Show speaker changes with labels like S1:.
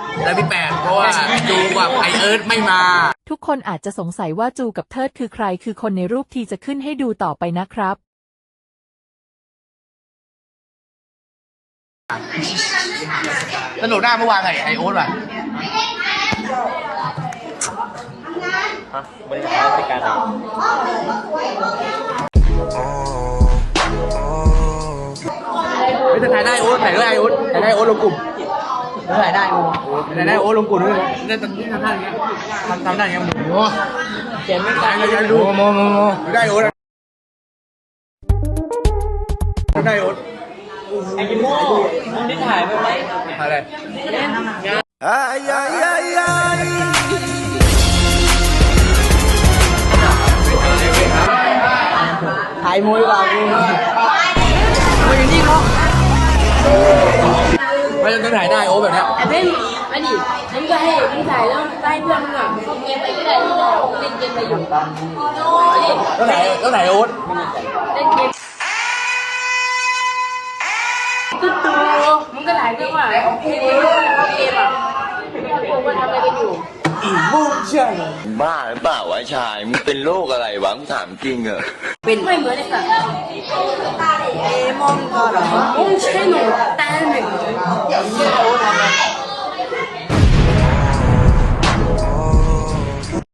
S1: แล้วพี่แปดเพราะว่าจูกับไอเอิร์ธไม่มา
S2: ทุกคนอาจจะสงสัยว่าจูกับเทิดคือใครคือคนในรูปที่จะขึ้นให้ดูต่อไปนะครับ
S1: สนุกหน้าเมื่อวานไอโอ๊ตว่ะ
S3: บริหารจัดการ
S1: ไม่ถ้าถ่ายได้โอ๊ตถ่ายได้โอ๊ตถ่ายได้โอ๊ตลงกลุ่มถ่ายได้โอ๊ตถ่ายได้โอ๊ตลงกลุ่มด้วยนี่ทำท่าอย่างเงี้ยทำได้อย่างเงี้ยโอ้เจ๋งไม่ตายเลยดูโมได้โอ๊ตได้โอ๊ต
S3: ไอ้กิโม่มึงได้ถ่ายไปไหม
S1: อะไรถ่ายมวยว่ะกูมวยอย่างนี้เนาะไม่ต้องถ่ายได้โอ๊ตแบบเนี้ย
S4: ไอ้เบ้นอันนี้ฉันก็ให้มึงถ่ายแล้วได้เพื่อนมึงอ่ะเข้าเกมไปก็ได้ที่เราเล่นเกมไปอยู่
S1: ต้องถ่ายโอ๊ต
S4: เล่นเกมตุ๊ดตูมึงก็ถ่ายด้วยว่าโอเคเข้าเกมอ่ะพวกว่าทำอะไรกันอยู่
S5: บ้าหรือเปล่าวะชายมึงเป็นโรคอะไรวะมึงถามจริงเหรอ
S4: เป็นไม่เหมือนไอ้สัตว์มองก็เหรอมองใช่หนูแต่หนึ่ง